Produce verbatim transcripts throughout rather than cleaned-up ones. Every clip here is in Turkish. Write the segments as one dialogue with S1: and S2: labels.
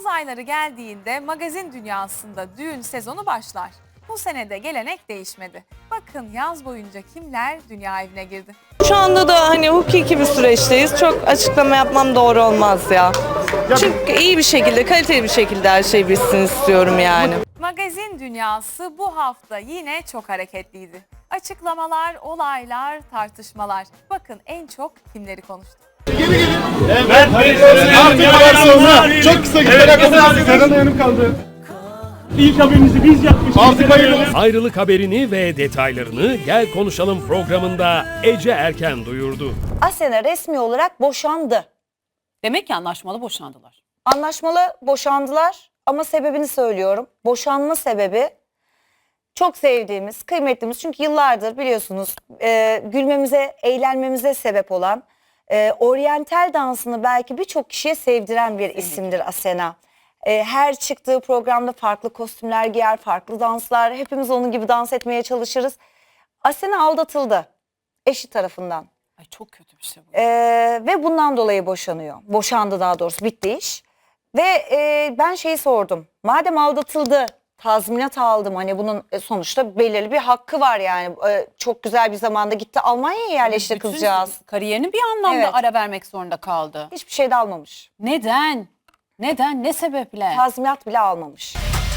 S1: Yaz ayları geldiğinde magazin dünyasında düğün sezonu başlar. Bu sene de gelenek değişmedi. Bakın yaz boyunca kimler dünya evine girdi.
S2: Şu anda da hani hukuki bir süreçteyiz. Çok açıklama yapmam doğru olmaz ya. Çünkü iyi bir şekilde, kaliteli bir şekilde her şey bitsin istiyorum yani.
S1: Magazin dünyası bu hafta yine çok hareketliydi. Açıklamalar, olaylar, tartışmalar. Bakın en çok kimleri konuştu.
S3: Evet, artık sonra çok kısa gitmeden konuşalım. Serhan Hanım kaldı.
S4: İlk haberinizi biz yapmıştık.
S3: Artık hayırlı.
S5: Ayrılık haberini ve detaylarını Gel Konuşalım programında Ece Erken duyurdu.
S6: Asena resmi olarak boşandı.
S7: Demek ki anlaşmalı boşandılar.
S6: Anlaşmalı boşandılar ama sebebini söylüyorum. Boşanma sebebi çok sevdiğimiz, kıymetlimiz. Çünkü yıllardır biliyorsunuz e, gülmemize, eğlenmemize sebep olan e, oryantal dansını belki birçok kişiye sevdiren bir isimdir Asena. E, her çıktığı programda farklı kostümler giyer, farklı danslar. Hepimiz onun gibi dans etmeye çalışırız. Asena aldatıldı eşi tarafından.
S7: Ay çok kötü bir şey bu.
S6: Ee, ve bundan dolayı boşanıyor. Boşandı daha doğrusu, bitti iş. Ve e, ben şeyi sordum. Madem aldatıldı, tazminat aldım. Hani bunun e, sonuçta belirli bir hakkı var yani. E, çok güzel bir zamanda gitti Almanya'ya yerleşti
S7: Bütün
S6: kızcağız.
S7: Kariyerini bir anlamda
S6: Evet.
S7: ara vermek zorunda kaldı.
S6: Hiçbir şey de almamış.
S7: Neden? Neden? Ne sebeple?
S6: Tazminat bile almamış.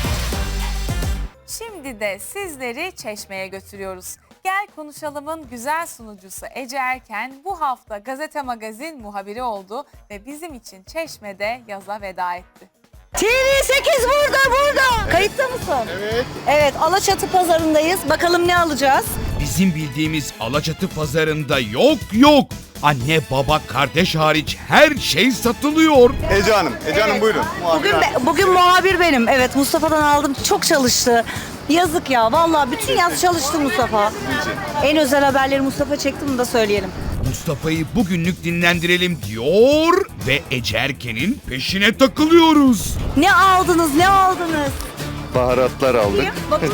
S1: Şimdi de sizleri Çeşme'ye götürüyoruz. Gel Konuşalım'ın güzel sunucusu Ece Erken bu hafta Gazete Magazin muhabiri oldu ve bizim için Çeşme'de yaza veda etti.
S6: T V sekiz burada burada. Kayıtta mısın?
S3: Evet.
S6: Evet, Alaçatı pazarındayız. Bakalım ne alacağız?
S8: Bizim bildiğimiz Alaçatı pazarında yok yok. Anne, baba, kardeş hariç her şey satılıyor.
S3: Ece Hanım, Ece Hanım buyurun.
S6: Bugün be- bugün muhabir benim. Evet, Mustafa'dan aldım. Çok çalıştı. Yazık ya. Vallahi bütün yaz çalıştı Mustafa. En özel haberleri Mustafa çekti, bunu da söyleyelim.
S8: Mustafa'yı bugünlük dinlendirelim diyor ve Ece Erken'in peşine takılıyoruz.
S6: Ne aldınız? Ne aldınız?
S9: Baharatlar aldık.
S6: Bakın.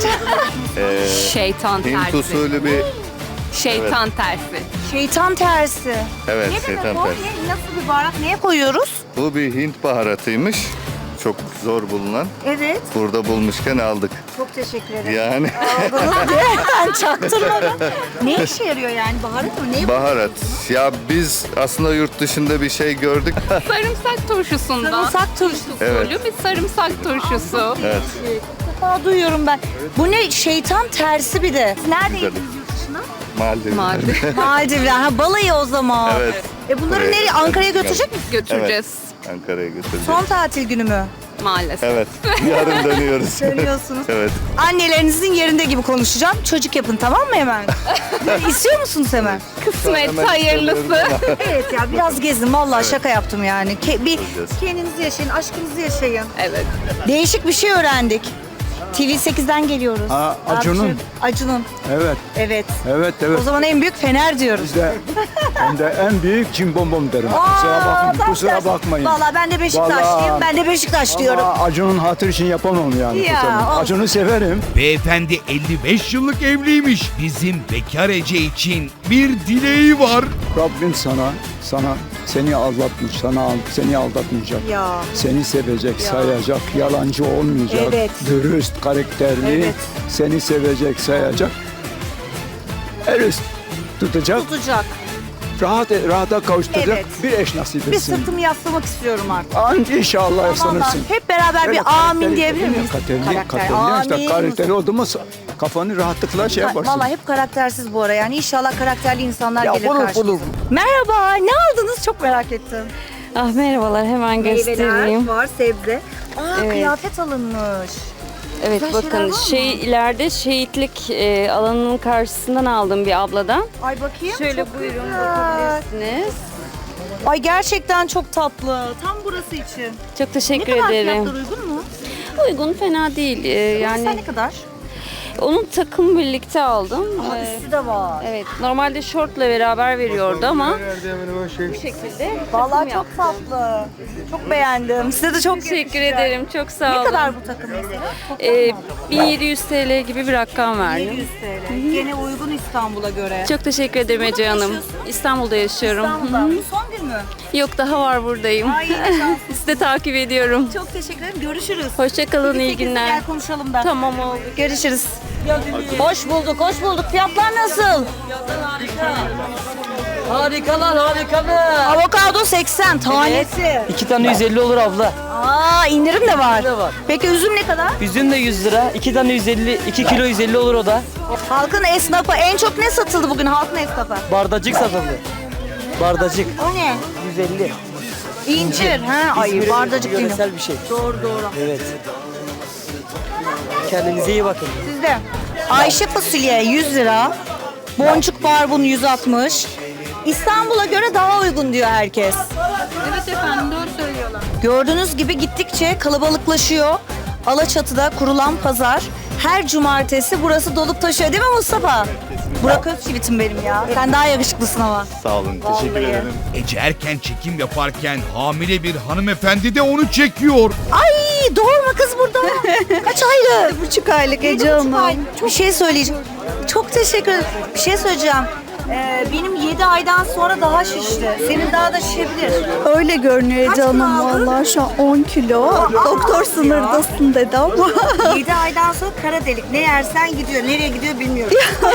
S10: Şeytan
S9: Hint
S10: tersi.
S9: usulü bir,
S10: Şeytan tersi.
S6: Şeytan tersi.
S9: evet
S6: Ne
S9: şeytan
S6: demek o?
S9: tersi.
S6: Ne- Nasıl bir baharat? Neye koyuyoruz?
S9: Bu bir Hint baharatıymış. Çok zor bulunan.
S6: Evet.
S9: Burada bulmuşken aldık.
S6: Çok teşekkür ederim.
S9: Yani
S6: Aldınız diye ben çaktırmadım. Ne işe yarıyor yani? Baharat mı? Ne?
S9: baharat. Ya biz aslında yurt dışında bir şey gördük.
S10: Sarımsak turşusundan.
S6: Sarımsak turşusu.
S9: Evet.
S10: Usulü bir sarımsak turşusu.
S9: Evet.
S6: İlk defa duyuyorum ben. Bu ne? Şeytan tersi bir de. Neredeydiniz
S9: Güzel.
S6: yurt dışına?
S9: Maldivler.
S10: Maalesef
S6: Maldivler. Ha, balayı o zaman.
S9: Evet.
S6: E bunları
S9: Buraya
S6: nereye? Ankara'ya götürecek misin?
S10: götüreceğiz.
S9: Ankara'ya götüreceğiz.
S6: Son tatil günü mü?
S10: Maalesef.
S9: Evet. Yarın dönüyoruz.
S6: Dönüyorsunuz.
S9: Evet.
S6: Annelerinizin yerinde gibi konuşacağım. Çocuk yapın, tamam mı hemen? İstiyor musunuz hemen?
S10: Kısmet
S9: Hemen
S10: hayırlısı.
S9: istemiyorum.
S6: Evet ya, biraz gezin. Vallahi şaka yaptım yani. Ke- bir
S9: Göreceğiz.
S6: kendinizi yaşayın, aşkınızı yaşayın.
S10: Evet.
S6: Değişik bir şey öğrendik. T V sekizden geliyoruz.
S11: Ha, Acun'un.
S6: Acun'un.
S11: Evet,
S6: Evet.
S11: evet, evet.
S6: O zaman en büyük Fener diyoruz.
S11: Bizde hem de en büyük cimbom derim.
S6: Aa,
S11: kusura bakmayın,
S6: tam
S11: kusura
S6: tersi.
S11: bakmayın.
S6: Vallahi ben de Beşiktaşlıyım.
S11: Vallahi-
S6: Ben de Beşiktaş diyorum.
S11: Ama Acun'un hatır için yapamam yani.
S6: Ya,
S11: kusura bakmayın.
S6: olsun.
S11: Acun'u severim.
S8: Beyefendi elli beş yıllık evliymiş. Bizim bekar Ece için bir dileği var.
S11: Rabbim sana, sana seni aldatmış, sana seni aldatmayacak.
S6: Ya.
S11: Seni sevecek, sayacak, yalancı olmayacak.
S6: Evet.
S11: Dürüst, karakterli,
S6: Evet.
S11: seni sevecek, sayacak. El üst tutacak,
S6: Tutacak.
S11: rahat rahata kavuşturacak
S6: Evet.
S11: bir eş nasip
S6: Bir
S11: etsin.
S6: sırtımı yaslamak istiyorum artık.
S11: Anca inşallah
S6: Aman
S11: yaşlanırsın.
S6: Allah'ım, hep beraber
S11: Böyle
S6: bir amin
S11: karakteri-
S6: diyebilir miyiz?
S11: Karakterli,
S6: Karakter.
S11: karakterli. İşte
S6: Amin.
S11: karakteri oldu mu kafanı rahatlıkla şey yaparsın.
S6: Vallahi hep karaktersiz bu ara yani. İnşallah karakterli insanlar
S11: Ya
S6: gelir
S11: bulur,
S6: karşımıza.
S11: bulur.
S6: Merhaba, ne aldınız? Çok merak ettim.
S10: Ah merhabalar, hemen göstereyim.
S6: var, sebze. Aa,
S10: Evet.
S6: kıyafet alınmış.
S10: Evet
S6: Güzel şeyler var
S10: bakın
S6: mı?
S10: şey ileride şehitlik e, alanının karşısından aldım bir abladan.
S6: Ay bakayım.
S10: Şöyle
S6: çok
S10: buyurun
S6: güzel.
S10: bakabilirsiniz.
S6: Ay gerçekten çok tatlı. Tam burası için.
S10: Çok
S6: Ne
S10: teşekkür
S6: kadar
S10: ederim.
S6: fiyatlar uygun mu?
S10: Uygun, fena değil. Ee,
S6: Yani
S10: yani
S6: ne kadar?
S10: onun takım birlikte aldım.
S6: Aa,
S10: Ee,
S6: üstü de var.
S10: evet normalde şortla beraber veriyordu ama bu şekilde.
S6: Vallahi
S10: takım
S6: çok tatlı. Çok beğendim. Size de çok
S10: Teşekkür
S6: yakışacak.
S10: ederim. Çok sağ
S6: Ne
S10: olun.
S6: kadar bu takım mesela? Çok
S10: Ee, bin yedi yüz T L gibi bir rakam verdim.
S6: yedi yüz T L. Gene uygun İstanbul'a göre.
S10: Çok teşekkür ederim
S6: Burada
S10: Ece
S6: mı
S10: Hanım.
S6: yaşıyorsun?
S10: İstanbul'da yaşıyorum.
S6: İstanbul'da.
S10: Hı hı.
S6: Bu son gün mü? mü?
S10: Yok daha var buradayım.
S6: Ay yine şanslısın.
S10: Sizi de takip ediyorum.
S6: Çok teşekkür ederim. Görüşürüz.
S10: Hoşçakalın, iyi
S6: sekizde
S10: günler.
S6: Gel konuşalım da.
S10: Tamam oldu.
S6: Görüşürüz. Hoş bulduk, hoş bulduk. Fiyatlar nasıl?
S2: Harikalar harikalar.
S6: Avokado seksen tanesi.
S2: İki tane yüz elli olur abla.
S6: Aa indirim de var.
S2: de var.
S6: Peki üzüm ne kadar?
S2: Üzüm de yüz lira. iki tane yüz elli. iki kilo yüz elli olur o da.
S6: Halkın esnafı en çok ne satıldı bugün halkın esnafı?
S2: Bardacık satıldı. Bardacık.
S6: O ne?
S2: yüz elli.
S6: İncir. Ha, ay bardacık değil.
S2: Yöresel bir şey.
S6: Doğru doğru.
S2: Evet. Kendinize iyi bakın.
S6: Sizde. Ayşe fasulye yüz lira. Boncuk barbun yüz altmış. İstanbul'a göre daha uygun diyor herkes.
S10: Evet efendim, doğru söylüyorlar.
S6: Gördüğünüz gibi gittikçe kalabalıklaşıyor. Alaçatı'da kurulan pazar. Her cumartesi burası dolup taşıyor değil mi Mustafa? Burak Özçivit'im benim ya. Sen daha yakışıklısın ama.
S3: Sağ olun. Teşekkür
S6: Vallahi.
S3: ederim.
S8: Ece Erken çekim yaparken hamile bir hanımefendi de onu çekiyor.
S6: Ay doğurma kız burada. Kaç aylık? Yedi buçuk aylık Ece Hanım. Bir şey söyleyeceğim. Çok teşekkür ederim. Bir şey söyleyeceğim. Ee, benim yedi aydan sonra daha şişti. Senin daha da şişebilir.
S12: Öyle görünüyor Ece Hanım valla şu an on kilo. Doktor sınırdasın dedi ama.
S6: yedi aydan sonra kara delik. Ne yersen gidiyor. Nereye gidiyor bilmiyorum.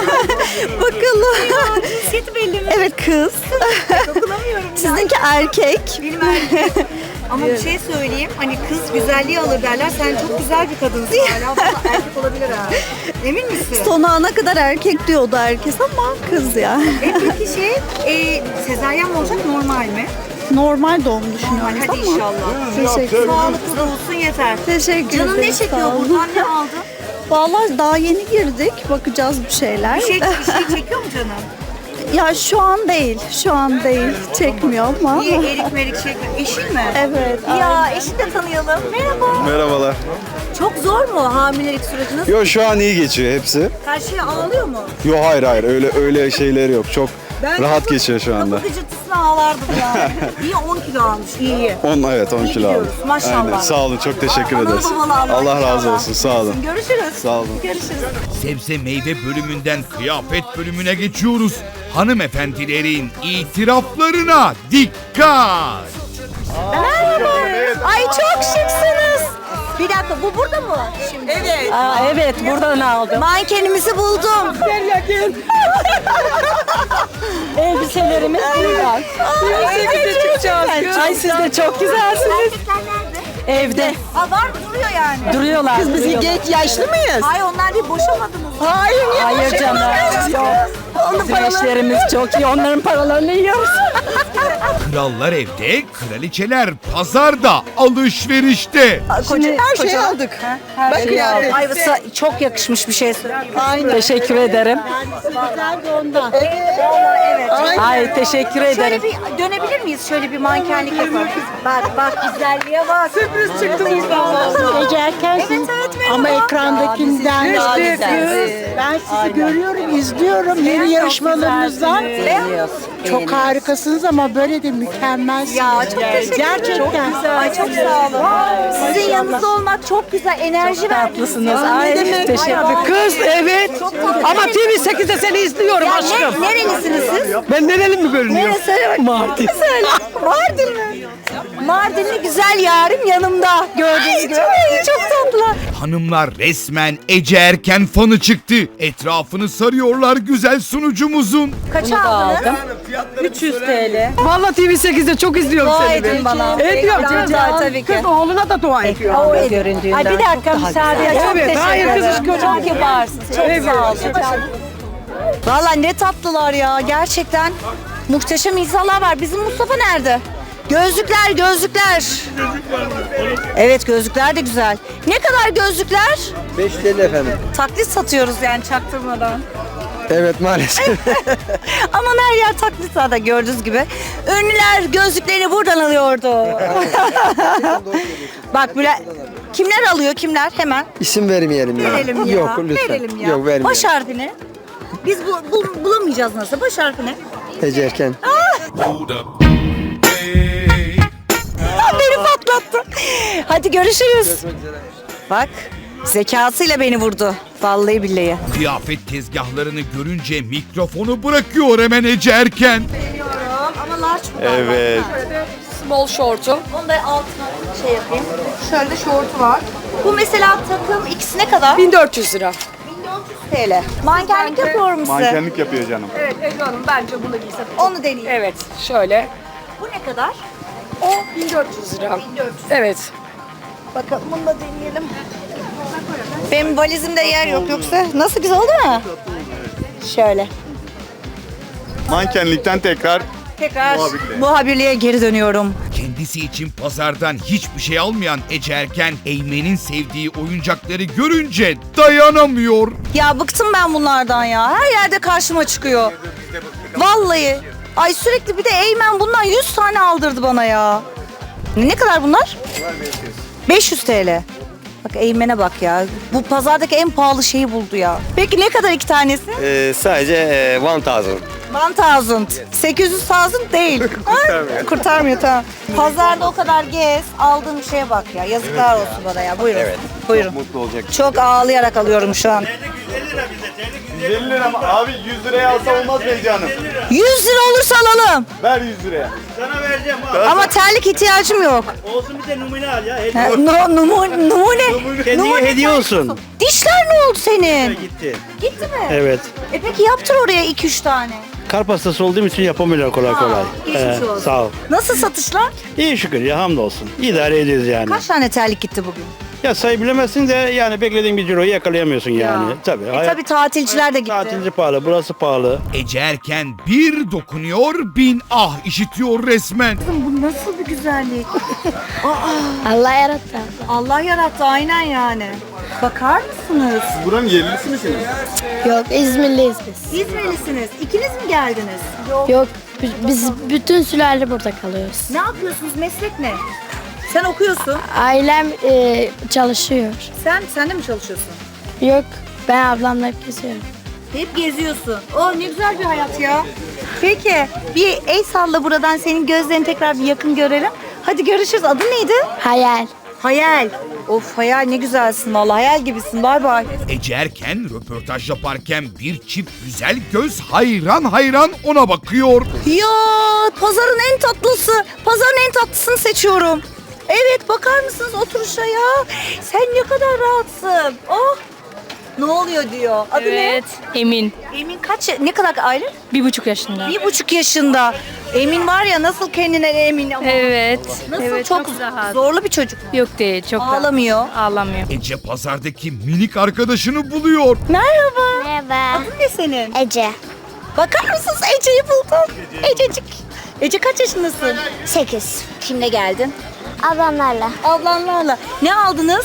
S12: Bakalım.
S6: Cinsiyeti belli mi?
S12: Evet kız.
S6: Dokunamıyorum ya.
S12: Sizinki erkek.
S6: Benim erkek. Ama bir şey söyleyeyim. Hani kız güzelliği alır derler. Sen çok güzel bir kadınsın. Hala bu erkek olabilir ha. Emin misin?
S12: Son ana kadar erkek diyordu herkes ama kız ya.
S6: E peki şey, e, sezaryen mi olacak normal mi?
S12: Normal doğum
S6: Normal.
S12: düşünüyoruz
S6: Hadi
S12: ama.
S6: inşallah.
S12: Teşekkür ederim.
S6: Sağlıklı da olsun yeter.
S12: Teşekkür
S6: Canın ne
S12: ederim,
S6: çekiyor
S12: sağ olun.
S6: buradan? Ne aldın?
S12: Valla daha yeni girdik. Bakacağız bir şeyler.
S6: Bir şey, bir şey çekiyor mu canım?
S12: Ya şu an değil. Şu an değil. Çekmiyor ama.
S6: Niye erik merik çekiyor? Eşin mi?
S12: Evet.
S6: Ya eşini de tanıyalım. Merhaba.
S9: Merhabalar.
S6: Çok zor mu hamilelik süreci? Nasıl?
S9: Yo şu an iyi geçiyor hepsi.
S6: Her şey ağlıyor mu?
S9: Yo hayır hayır öyle öyle şeyleri yok. Çok rahat
S6: kapı-
S9: geçiyor şu anda.
S6: Kapı gıcırtısına ağlardım ya. İyi on kilo almış. İyi iyi.
S9: on evet on
S6: İyi
S9: kilo aldım.
S6: gidiyoruz, maşallah.
S9: Aynen. Sağ olun çok teşekkür
S6: Analı
S9: ederiz.
S6: babalı Allah
S9: Allah razı
S6: inşallah.
S9: olsun sağ olun.
S6: Görüşürüz.
S9: Sağ olun.
S6: Görüşürüz.
S8: Sebze meyve bölümünden kıyafet bölümüne geçiyoruz. Hanımefendilerin itiraflarına dikkat.
S6: Merhaba. Ay çok şıksınız. Bir dakika bu burada mı? Şimdi.
S2: Evet. Aa, evet buradan aldım.
S6: Mankenimizi buldum.
S2: Elbiselerimiz buradan. Elbise çıkacağız. Ay siz de çok güzelsiniz.
S6: Erkekler nerede?
S2: Evde.
S6: Ha var duruyor yani.
S2: Duruyorlar. Kız biz genç yaşlı mıyız?
S6: Ay onlar bir boşamadınız.
S2: Hayır, hayır canım. Yok. Bizim eşlerimiz çok iyi. Onların paralarını yiyoruz.
S8: Krallar evde, kraliçeler pazarda, alışverişte.
S6: Şimdi
S12: Her şeyi aldık.
S6: her şeyi aldım. Ay sa- çok yakışmış bir şey söyleyeyim.
S2: Aynen. Teşekkür ederim.
S6: Evet.
S2: Ay teşekkür
S6: Şöyle
S2: ederim.
S6: bir dönebilir miyiz? Şöyle bir mankenlik yapalım. Bak bak güzelliğe bak. Sürpriz çıktı bizden.
S12: Ece Erken'sin.
S6: Evet evet merhaba.
S12: Ama ekrandakinden daha güzelsiniz. Ben sizi görüyorum, izliyorum yeni yarışmalarınızdan. Çok harikasınız ama böyle de mükemmelsiniz.
S6: Ya çok teşekkür ederim.
S12: Gerçekten.
S6: Çok güzel. Ay çok sağ olun. Sizin yanınızda olmak çok güzel. Enerji
S2: Tatlısınız.
S6: verdiniz.
S2: Ay
S6: demek?
S2: teşekkür
S6: Ay,
S2: ederim. Kız evet.
S6: Çok tatlı.
S2: Ama T V sekizde seni izliyorum
S6: Ya
S2: aşkım.
S6: ne, nerelisiniz siz?
S2: Ben nereli mi görünüyorum?
S6: Neresi? Söyle bak.
S2: Mardin.
S6: Söyle. Mardin mi? Mardinli güzel yarim yanımda. Gördüğünüz gibi. Çok, çok tatlı.
S8: Hanımlar resmen Ece Erken fanı çıktı. Etrafını sarıyorlar güzel sunucumuzun.
S6: Kaça aldınız?
S2: üç yüz T L. Vallahi T V sekizde çok izliyorum
S6: Dua
S2: seni.
S6: edin bana.
S2: Ediyorum
S6: Ekran
S2: canım.
S6: var tabii ki.
S2: Kız oğluna da dua ediyor.
S6: O göründüğünden. Ay bir dakika müsaade et. Çok
S2: Evet,
S6: teşekkür
S2: hayır, kız
S6: ederim.
S2: iş
S6: Çok kibarsınız. Çok sağ olun. Valla ne tatlılar ya. Gerçekten muhteşem insanlar var. Bizim Mustafa nerede? Gözlükler, gözlükler. Evet gözlükler de güzel. Ne kadar gözlükler?
S11: beş T L efendim.
S6: Taklit satıyoruz yani çaktırmadan.
S11: Evet maalesef.
S6: Aman her yer taklit zaten gördüğünüz gibi. Ünlüler gözlüklerini buradan alıyordu. Bak böyle kimler alıyor kimler hemen
S11: İsim vermeyelim ya.
S6: verelim ya.
S11: Yok lütfen.
S6: Verelim ya.
S11: Yok vermeyelim.
S6: Baş harfini. Biz bu, bul- bulamayacağız nasıl? Baş harfini.
S11: Ece Erken.
S6: Beni patlattı. Hadi görüşürüz. Bak zekasıyla beni vurdu. Vallahi billahi.
S8: Kıyafet tezgahlarını görünce mikrofonu bırakıyor hemen Ece Erken.
S6: Ama Aç mı?
S9: Evet.
S2: Small short'um.
S6: Onu da altına şey yapayım. Şöyle de şortu var. Bu mesela takım ikisi ne kadar?
S2: bin dört yüz lira.
S6: bin dört yüz T L. Mankenlik yapıyor musun?
S9: Mankenlik yapıyor canım.
S2: Evet Ece Hanım bence bunu giysem.
S6: Onu deneyeyim.
S2: Evet şöyle.
S6: Bu ne kadar?
S2: O bin dört yüz lira.
S6: bin dört yüz.
S2: Evet.
S6: Bakalım bunu da deneyelim. Benim valizimde yer yok yoksa. Nasıl, güzel oldu mu? Şöyle.
S9: Mankenlikten tekrar
S6: Tekrar
S9: Muhabirliğe.
S6: muhabirliğe geri dönüyorum.
S8: Kendisi için pazardan hiçbir şey almayan Ece Erken, Eymen'in sevdiği oyuncakları görünce dayanamıyor.
S6: Ya bıktım ben bunlardan ya. Her yerde karşıma çıkıyor. Vallahi. Ay sürekli bir de Eymen bundan yüz tane aldırdı bana ya. Ne, ne kadar bunlar? beş yüz T L. Bak Eymen'e bak ya. Bu pazardaki en pahalı şeyi buldu ya. Peki ne kadar iki tanesi?
S3: Ee, sadece e, one thousand.
S6: bin. sekiz yüz bin değil. Kurtarmıyor. Kurtarmıyor, tamam. Pazarda o kadar gez, aldığım şeye bak ya. Yazıklar olsun bana ya. Buyurun.
S3: Evet.
S6: Buyurun.
S9: mutlu olacak.
S6: Çok ağlayarak alıyorum şu an.
S9: yüz elli lira mı? Abi yüz liraya alsa olmaz mı Ece Hanım?
S6: yüz lira olursa alalım.
S9: Ver yüz liraya.
S4: Sana vereceğim ha.
S6: Ama terlik ihtiyacım yok.
S4: Olsun bir de numune al ya.
S6: Ha, no, numu- numune.
S4: Kendine
S6: numune
S4: hediye
S6: terlik
S4: olsun.
S6: Dişler ne oldu senin?
S4: Gitti.
S6: Gitti mi?
S4: Evet.
S6: E peki yaptır oraya iki üç tane.
S4: Kalp hastası olduğum için yapamıyorlar kolay kolay.
S6: geçmiş olsun.
S4: Sağ ol.
S6: Nasıl satışlar?
S4: İyi şükür ya, hamdolsun. İdare ediyoruz yani.
S6: Kaç tane terlik gitti bugün?
S4: Ya sayı bilemezsin de yani beklediğin bir ciroyu yakalayamıyorsun yani. Tabii.
S6: E tabii tatilciler de gitti.
S4: Tatilci pahalı, burası pahalı.
S8: Ece Erken bir dokunuyor, bin ah işitiyor resmen.
S6: Bu nasıl bir güzellik?
S10: Allah yarattı.
S6: Allah yarattı aynen yani. Bakar mısınız?
S9: Buranın yerlisi misiniz?
S10: Yok İzmirliyiz biz.
S6: İzmirlisiniz. İkiniz mi geldiniz?
S10: Yok biz bütün sülale burada kalıyoruz.
S6: Ne yapıyorsunuz? Meslek ne? Sen okuyorsun.
S10: Ailem e, çalışıyor.
S6: Sen sen de mi çalışıyorsun?
S10: Yok ben ablamla hep geziyorum.
S6: Hep geziyorsun. Oh ne güzel bir hayat ya. Peki bir el salla buradan, senin gözlerini tekrar bir yakın görelim. Hadi görüşürüz. Adın neydi?
S10: Hayal.
S6: Hayal. Of Hayal, ne güzelsin vallahi, hayal gibisin. Bay bay.
S8: Ece Erken röportaj yaparken bir çift güzel göz hayran hayran ona bakıyor.
S6: Ya pazarın en tatlısı. Pazarın en tatlısını seçiyorum. Evet, bakar mısınız oturuşa ya? Sen ne kadar rahatsın. Oh. Ne oluyor diyor. Adı ne?
S10: Emin.
S6: Emin kaç, ne kadar aylık?
S10: Bir buçuk yaşında.
S6: Bir buçuk yaşında. Emin var ya, nasıl kendine emin ama.
S10: Evet.
S6: Nasıl,
S10: evet,
S6: çok,
S10: rahat.
S6: zorlu bir çocuk.
S10: Yok değil çok
S6: Ağlamıyor.
S10: Ağlamıyor.
S8: Ece pazardaki minik arkadaşını buluyor.
S6: Merhaba.
S10: Merhaba.
S6: Adın ne senin?
S10: Ece.
S6: Bakar mısınız, Ece'yi buldum. Ececik. Ece kaç yaşındasın?
S10: Sekiz.
S6: Kimle geldin?
S10: Ablamlarla.
S6: Ablanlarla. Ne aldınız?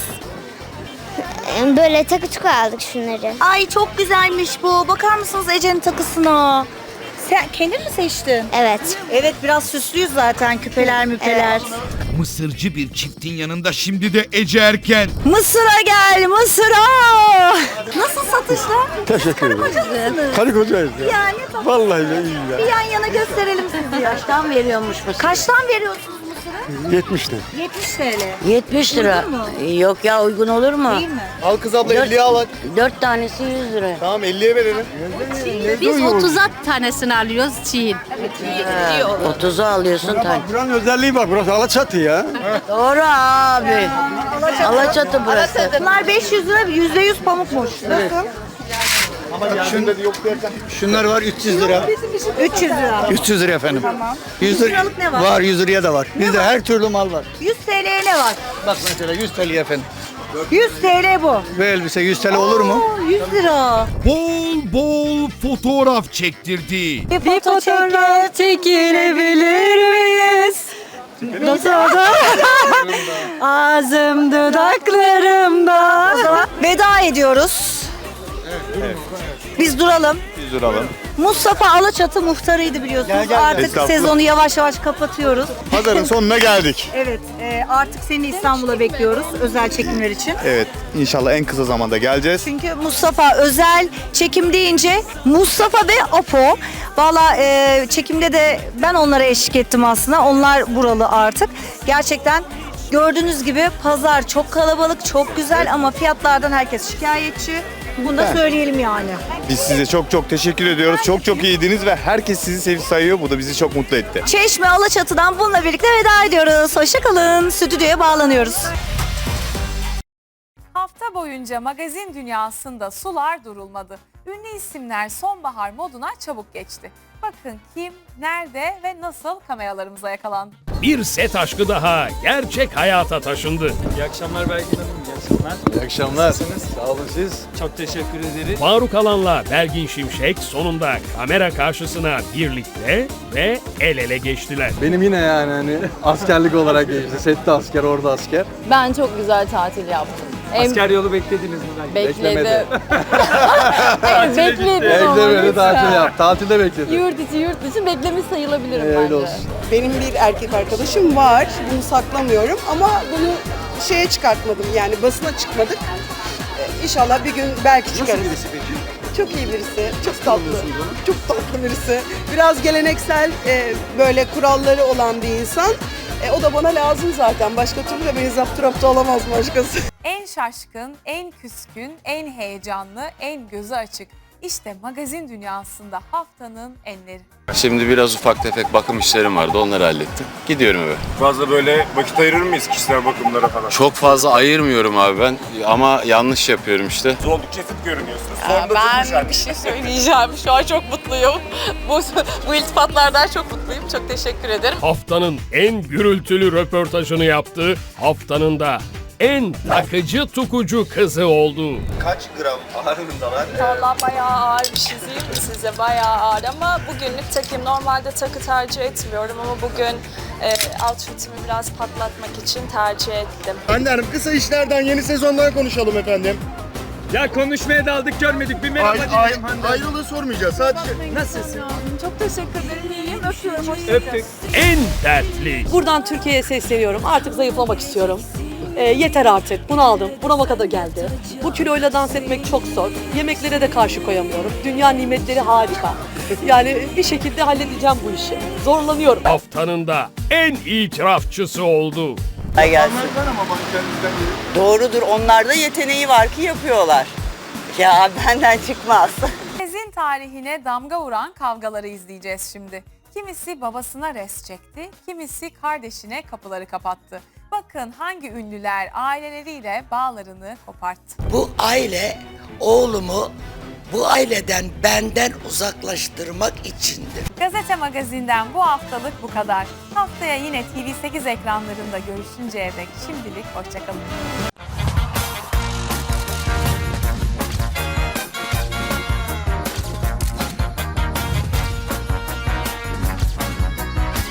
S10: Böyle takı tuku aldık şunları.
S6: Ay çok güzelmiş bu. Bakar mısınız Ece'nin takısına? Sen kendin mi seçtin?
S10: Evet.
S6: Evet, biraz süslüyüz zaten, küpeler müpeler.
S8: Mısırcı bir çiftin yanında şimdi de Ece Erken.
S6: Mısır'a gel, Mısır'a. Nasıl satışlar?
S3: Teşekkür ederim.
S6: Kocasınız.
S3: Karı kocayız ya.
S6: Yani tamam.
S3: Vallahi de iyi ya.
S6: Bir yan yana gösterelim sizi. Kaçtan veriyormuş Mısır? Kaçtan veriyorsunuz Mısır'ı?
S3: yetmiş lira.
S6: yetmiş T L.
S10: yetmiş
S6: lira. Uygun mu?
S10: Yok ya uygun olur mu?
S6: Değil mi?
S9: Al kız abla elliye al.
S10: Dört tanesi yüz lira.
S9: Tamam elliye verelim.
S7: Biz otuza tanesini alıyoruz çiğin.
S10: otuzu alıyorsun tane.
S3: Buranın özelliği var. Burası Alaçatı ya.
S10: Doğru abi. Alaçatı burası.
S6: Bunlar beş yüz lira, yüzde yüz pamukmuş. Nasıl?
S9: Şunda da yok dersen.
S3: Şunlar var üç yüz lira.
S6: üç yüz lira.
S3: üç yüz lira efendim.
S6: Tamam.
S3: yüz
S6: yüz liralık ne var?
S3: Var yüz liraya da var. Bizde her türlü mal var.
S6: yüz T L'ye ne var?
S3: Bak mesela yüz T L efendim.
S6: yüz T L bu.
S3: Bu elbise yüz T L olur mu?
S6: Oo, yüz lira.
S8: Bol bol fotoğraf çektirdi.
S6: Bir fotoğraf çekilebilir miyiz? Nasıl oldu? Ağzım dudaklarımda. O zaman veda ediyoruz. Biz duralım.
S9: yüz lira alalım.
S6: Mustafa Alaçatı muhtarıydı biliyorsunuz.
S3: Gel, gel.
S6: Artık
S9: Estağfurullah.
S6: sezonu yavaş yavaş kapatıyoruz.
S9: Pazarın sonuna geldik.
S6: Evet, e, artık seni İstanbul'a bekliyoruz özel çekimler için.
S9: Evet, inşallah en kısa zamanda geleceğiz.
S6: Çünkü Mustafa özel çekim deyince Mustafa ve Apo. Valla e, çekimde de ben onlara eşlik ettim aslında. Onlar buralı artık. Gerçekten gördüğünüz gibi pazar çok kalabalık, çok güzel ama fiyatlardan herkes şikayetçi.
S12: Bunu da söyleyelim yani.
S9: Biz size çok çok teşekkür ediyoruz. Çok çok iyiydiniz ve herkes sizi sevip sayıyor. Bu da bizi çok mutlu etti.
S6: Çeşme Alaçatı'dan bununla birlikte veda ediyoruz. Hoşçakalın. Stüdyoya bağlanıyoruz.
S1: Hafta boyunca magazin dünyasında sular durulmadı. Ünlü isimler sonbahar moduna çabuk geçti. Bakın kim, nerede ve nasıl kameralarımıza yakalandı.
S5: Bir set aşkı daha gerçek hayata taşındı.
S3: İyi akşamlar Belgin Hanım. İyi akşamlar. İyi akşamlar. Sağ olun siz. Çok teşekkür ederiz.
S5: Faruk Alan'la Belgin Şimşek sonunda kamera karşısına birlikte ve el ele geçtiler.
S3: Benim yine yani hani askerlik olarak geçti. Sette asker, orada asker.
S10: Ben çok güzel tatil yaptım.
S3: Asker yolu beklediniz mi?
S10: Bekledim.
S3: Evet,
S10: bekledim.
S3: Beklemedi, tatil yap. Tatilde bekledi.
S10: Yurt içi yurt dışı beklemiş sayılabilirim
S3: Öyle
S10: bence.
S3: olsun.
S12: Benim bir erkek arkadaşım var. Bunu saklamıyorum ama bunu şeye çıkartmadım. Yani basına çıkmadık. Ee, İnşallah bir gün belki çıkarız. Nasıl birisi peki? Çok iyi birisi. Çok tatlı. Çok tatlı birisi. Biraz geleneksel e, böyle kuralları olan bir insan. E, o da bana lazım zaten. Başka türlü de beni zapturapta olamaz başkası.
S1: En şaşkın, en küskün, en heyecanlı, en gözü açık. İşte magazin dünyasında haftanın enleri.
S9: Şimdi biraz ufak tefek bakım işlerim vardı. Onları hallettim. Gidiyorum eve.
S3: Fazla böyle vakit ayırır mıyız kişisel bakımlara falan?
S9: Çok fazla ayırmıyorum abi ben. Ama yanlış yapıyorum işte.
S3: Oldukça fit görünüyorsunuz.
S2: Ben bir şey söyleyeceğim. Şu an çok mutluyum. Bu, bu iltifatlardan çok mutluyum. Çok teşekkür ederim.
S5: Haftanın en gürültülü röportajını yaptı. Haftanın da en takıcı tukucu kızı oldu.
S9: Kaç gram ağırlığındalar?
S2: Valla bayağı ağır bir şey diyeyim mi size? Bayağı ağır ama bugünlük takayım. Normalde takı tercih etmiyorum ama bugün e, outfitimi biraz patlatmak için tercih ettim.
S3: Hande Hanım kısa işlerden, yeni sezondan konuşalım efendim. Ya konuşmaya daldık görmedik. Bir merhaba diyelim Hande. Ayrılığı sormayacağız sadece.
S2: Nasılsın? Çok teşekkür ederim. İyiyim. Öpüyorum.
S3: Öptük.
S5: En dertli.
S2: Buradan Türkiye'ye sesleniyorum. Artık zayıflamak istiyorum. E, yeter artık. Bunu aldım. Burama kadar geldi. Bu kiloyla dans etmek çok zor. Yemeklere de karşı koyamıyorum. Dünya nimetleri harika. Yani bir şekilde halledeceğim bu işi. Zorlanıyorum.
S5: Haftanın da en itirafçısı oldu.
S12: Doğrudur. Onlarda yeteneği var ki yapıyorlar. Ya benden çıkmaz.
S1: Magazin tarihine damga vuran kavgaları izleyeceğiz şimdi. Kimisi babasına res çekti, kimisi kardeşine kapıları kapattı. Bakın hangi ünlüler aileleriyle bağlarını koparttı.
S12: Bu aile oğlumu bu aileden benden uzaklaştırmak içindir.
S1: Gazete Magazin'den bu haftalık bu kadar. Haftaya yine T V sekiz ekranlarında görüşünceye dek şimdilik hoşçakalın.